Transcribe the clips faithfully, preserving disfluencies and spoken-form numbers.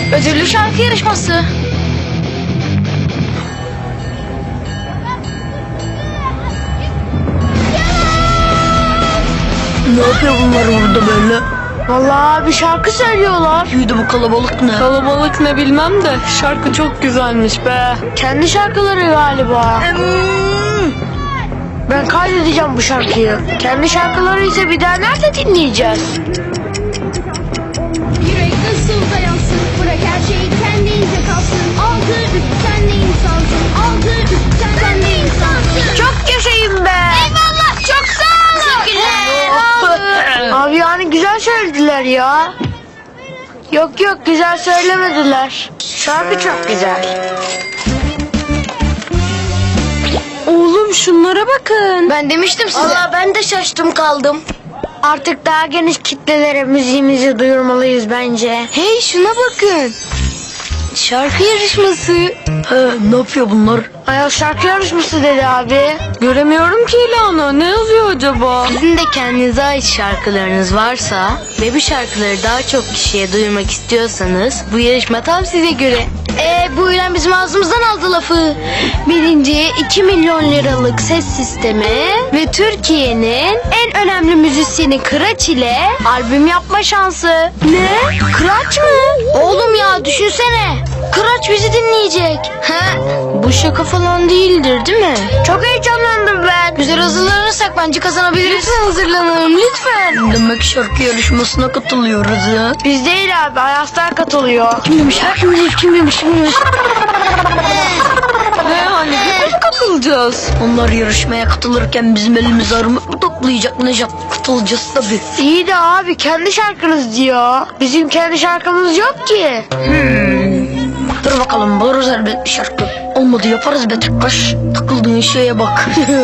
Ödüllü şarkı yarışması. Ne yapıyor bunlar burada böyle? Vallahi bir şarkı söylüyorlar. Yürü bu kalabalık ne? Kalabalık ne bilmem de şarkı çok güzelmiş be. Kendi şarkıları galiba. Ben kaydedeceğim bu şarkıyı. Kendi şarkıları ise bir daha nerede dinleyeceğiz? Yürek nasıl dayansın? Bırak her şey kendinize kalsın. Altı üst sen de insansın. Altı üst sen, sen de insansın. Çok yaşayın be. Eyvallah, çok sağ olun. Teşekkürler. Abi yani güzel söylediler ya. Yok yok güzel söylemediler. Şarkı çok güzel. Oğlum şunlara bakın. Ben demiştim size. Valla ben de şaştım kaldım. Artık daha geniş kitlelere müziğimizi duyurmalıyız bence. Hey şuna bakın. Şarkı yarışması. He, ne yapıyor bunlar? Ayol şarkı yarışması dedi abi. Göremiyorum ki ilanı. Ne yazıyor acaba? Sizin de kendinize ait şarkılarınız varsa ve bu şarkıları daha çok kişiye duyurmak istiyorsanız bu yarışma tam size göre. Ee, bu ilan bizim ağzımızdan aldı lafı. Birinciye iki milyon liralık ses sistemi ve Türkiye'nin en önemli müzisyeni Kıraç ile albüm yapma şansı. Ne? Kıraç mı? Oğlum ya düşünsene. Kıraç bizi dinleyecek. He? Bu şaka falan değildir değil mi? Çok heyecanlandım ben. Güzel hazırlanırsak bence kazanabiliriz. Lütfen hazırlanalım lütfen. Demek şarkı yarışmasına katılıyoruz ya. Biz değil abi Ayaslar katılıyor. Kim demiş? Ha, kim demiş? Kim demiş? Kim demiş? Ne hani biz mi katılacağız? Onlar yarışmaya katılırken bizim elimiz armut mu toplayacak Nejat? Katılacağız tabii. İyi de abi kendi şarkınız diyor. Bizim kendi şarkımız yok ki. Dur bakalım buluruz elbet bir şarkı. Olmadı yaparız be tıkkaş. Takıldığın şeye bak.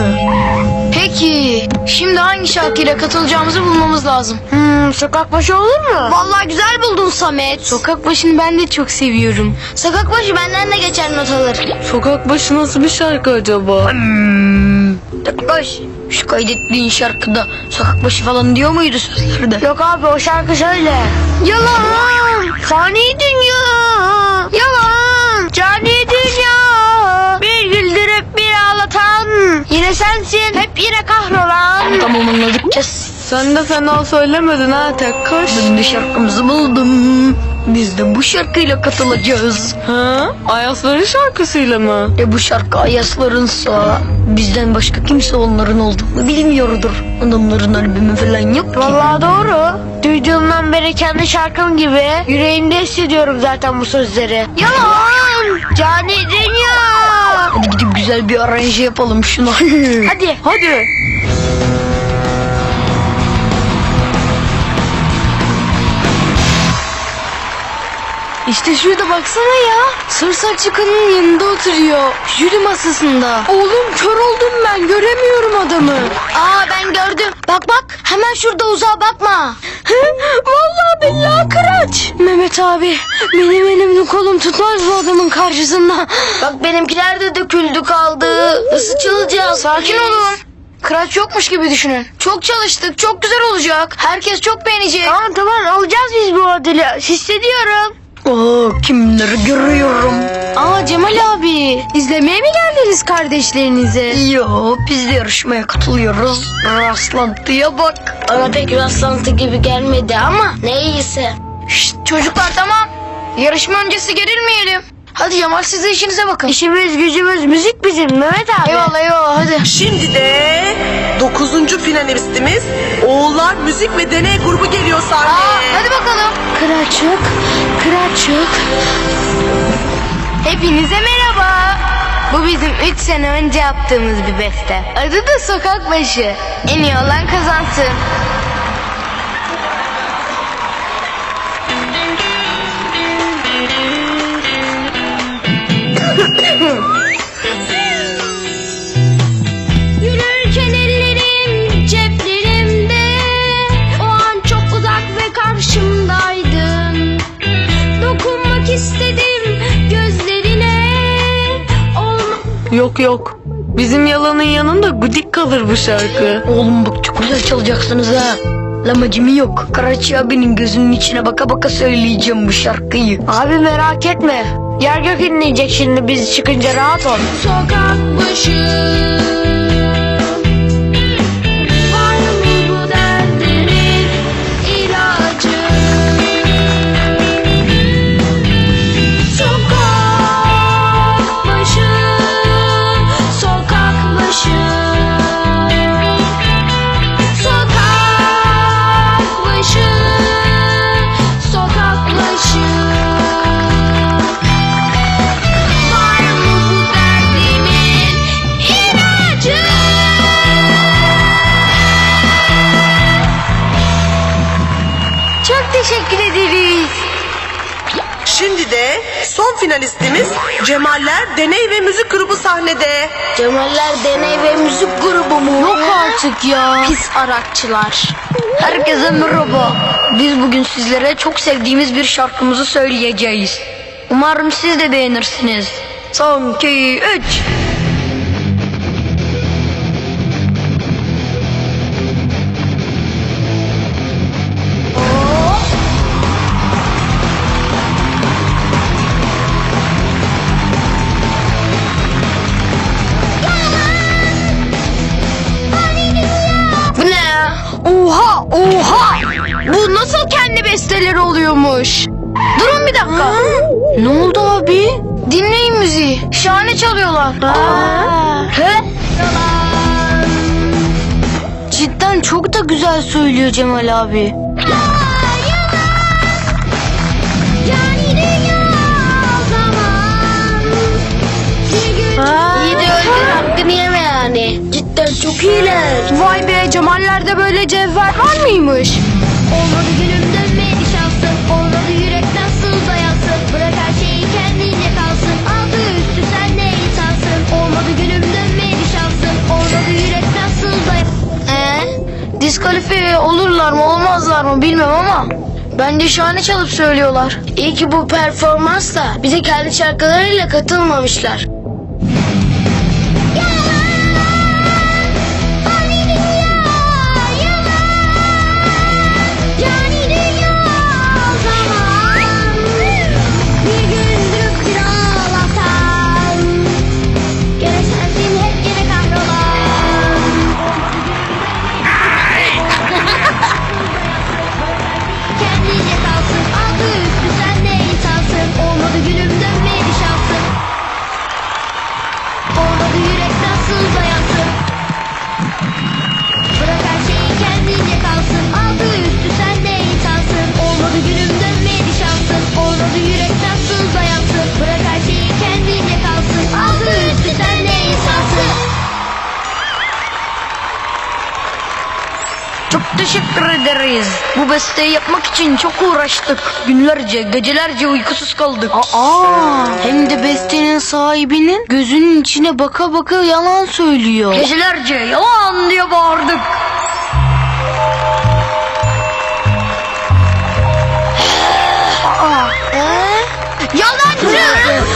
Peki şimdi hangi şarkıyla katılacağımızı bulmamız lazım. Hmm, sokak başı olur mu? Vallahi güzel buldun Samet. Sokak başını ben de çok seviyorum. Sokak başı benden de geçer not alır. Sokak başı nasıl bir şarkı acaba? Hmm, tıkkaş. Şu kaydettiğin şarkıda sokak başı falan diyor muydu sözlerde? Yok abi o şarkı şöyle. Yalan. Fani dünya. Yalan. Cani dünya. Bir güldürüp bir ağlatan. Yine sensin. Hep yine kahrolan. Tamam anladık kes. Sen de fena söylemedin ha Tekkaş. Ben de şarkımızı buldum. Biz de bu şarkıyla katılacağız. Ha? Ayasların şarkısıyla mı? E bu şarkı Ayaslarınsa bizden başka kimse onların olduğunu bilmiyordur. Adamların albümü falan yok ki. Vallahi doğru. Duyduğumdan beri kendi şarkım gibi yüreğimde hissediyorum zaten bu sözleri. Yalan. Cani dünya. Hadi gidip güzel bir aranje yapalım şuna. Hadi. Hadi. İşte şurada baksana ya. Sır saçlı kadının yanında oturuyor. Jüri masasında. Oğlum kör oldum ben. Göremiyorum adamı. Aa ben gördüm. Bak bak hemen şurada uzağa bakma. Vallahi billahi Kıraç. Mehmet abi benim elimde kolum tutmaz bu adamın karşısında. Bak benimkiler de döküldü kaldı. Nasıl çalacağız? Sakin olun. Kıraç yokmuş gibi düşünün. Çok çalıştık. Çok güzel olacak. Herkes çok beğenecek. Tamam tamam alacağız biz bu ödülü. Hissediyorum. Oo, kimleri görüyorum. Aa Cemal abi. İzlemeye mi geldiniz kardeşlerinize? Yo biz de yarışmaya katılıyoruz. Rastlantıya bak. Bana pek rastlantı gibi gelmedi ama neyse. Şşt çocuklar tamam. Yarışma öncesi gerilmeyelim. Hadi Cemal siz de işinize bakın. İşimiz gücümüz müzik bizim Mehmet abi. Eyvallah eyvallah hadi. Şimdi de dokuzuncu finalistimiz Oğullar Müzik ve Deney Grubu geliyor sahneye. Aa, hadi bakalım. Kıraçık, kıraçık. Hepinize merhaba. Bu bizim üç sene önce yaptığımız bir beste. Adı da Sokak Başı. En iyi olan kazansın. Yürürken ellerim ceplerimde. O an çok uzak ve karşımdaydın. Dokunmak istedim gözlerine. Olma... Yok yok. Bizim yalanın yanında gudik kalır bu şarkı. Oğlum bak çok güzel çalacaksınız ha. Lamacımı yok. Karaçi abinin gözünün içine baka baka söyleyeceğim bu şarkıyı. Abi merak etme. Yer gök inleyecek şimdi biz çıkınca, rahat ol. Sokak başı var mı bu derdimin ilacı? Sokak başı, sokak başı, sokak başı, sokak başı. Var mı bu derdimin ilacı? Çok teşekkür ederiz. Şimdi de son finalistimiz Cemaller Deney ve Müzik Grubu sahnede. Cemaller Deney ve Müzik Grubu mu? Yok artık ya. Pis arakçılar. Herkese merhaba. Biz bugün sizlere çok sevdiğimiz bir şarkımızı söyleyeceğiz. Umarım siz de beğenirsiniz. Son, iki, üç. Bu ne ya? Oha oha. Bu nasıl kendi besteleri oluyormuş? Durun bir dakika. Ne oldu abi? Dinleyin müziği. Şahane çalıyorlar. He? Cidden çok da güzel söylüyor Cemal abi. Yani dünya o zaman bir gün İyi de öldür, hakkını yeme yani. Cidden çok iyiler. Vay be, Cemaller'de böyle cevher var mıymış? olmadı gülüm dönmedi şansım, olmadı yürek nasıl dayansın, bırak her şeyi kendince kalsın, altı üstü sen ne insansın, olmadı gülüm dönmedi şansım, olmadı yürek nasıl dayansın. Ee, diskalifiye olurlar mı olmazlar mı bilmem ama bence şahane çalıp söylüyorlar. İyi ki bu performansta bize kendi şarkılarıyla katılmamışlar. Yani dünya o zaman bir gün durup bir ağlatan, gene sensin hep gene kahrolan. Kendince kalsın, altı üstü sen de insansın, olmadı gülüm dönmedi şansım, olmadı yürek nasıl dayansın, bırak her şeyi kendince kalsın, altı üstü sen de insansın, olmadı gülüm dönmedi şansın, olmadı yürek nasıl dayansın, bırak her şeyi kendince kalsın, altı üstü sen de insansın. Çok teşekkür ederiz. Bu besteyi yapmak için çok uğraştık. Günlerce, gecelerce uykusuz kaldık. Aa, hem de bestenin sahibinin gözünün içine baka baka yalan söylüyor. Gecelerce yalan diye bağırdık. Yalancı!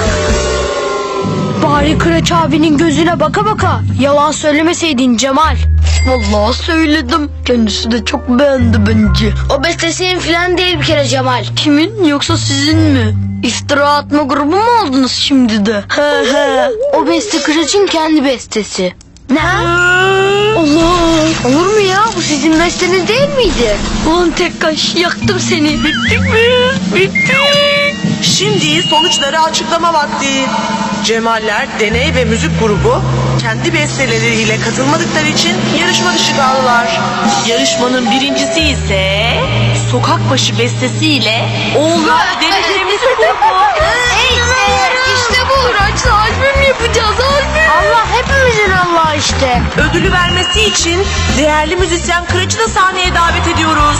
Bari Kıraç abinin gözüne baka baka yalan söylemeseydin Cemal. Vallahi söyledim. Kendisi de çok beğendi bence. O beste senin filan değil bir kere Cemal. Kimin yoksa sizin mi? İftira atma grubu mu oldunuz şimdi de? He he. O beste Kıraç'ın kendi bestesi. Allah! Olur mu ya? Bu sizin besteniz değil miydi? Ulan Tekkaş, yaktım seni. Bittik mi? Bittik. Şimdi sonuçları açıklama vakti. Cemaller Deney ve Müzik Grubu kendi besteleriyle katılmadıkları için yarışma dışı kaldılar. Yarışmanın birincisi ise Sokak Başı bestesiyle Oğullar Deney ve Müzik Grubu. İşte bu Kıraç'la albüm yapacağız albüm. Allah hepimizin Allah işte. Ödülü vermesi için değerli müzisyen Kıraç'ı da sahneye davet ediyoruz.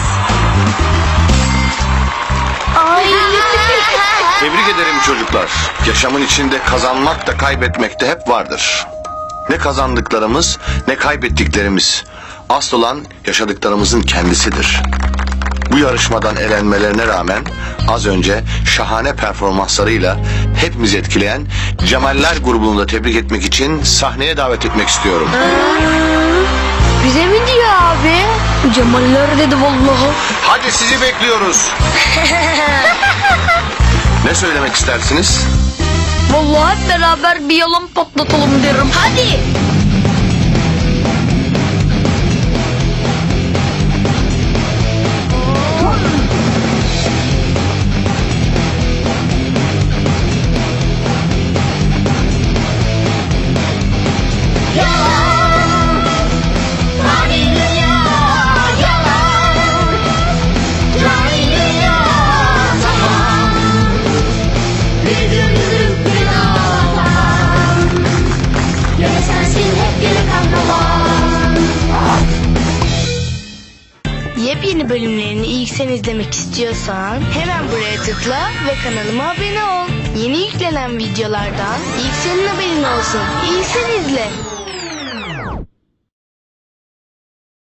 Ay. Tebrik ederim çocuklar. Yaşamın içinde kazanmak da kaybetmek de hep vardır. Ne kazandıklarımız ne kaybettiklerimiz. Asıl olan yaşadıklarımızın kendisidir. Bu yarışmadan elenmelerine rağmen az önce şahane performanslarıyla hepimizi etkileyen Cemaller grubunu da tebrik etmek için sahneye davet etmek istiyorum. Bize mi diyor abi? Cemaller dedi vallahi. Hadi sizi bekliyoruz. Ne söylemek istersiniz? Vallahi hep beraber bir yalan patlatalım derim. Hadi. Yepyeni bölümlerini ilk sen izlemek istiyorsan hemen buraya tıkla ve kanalıma abone ol. Yeni yüklenen videolardan ilk senin haberin olsun. İlk sen izle.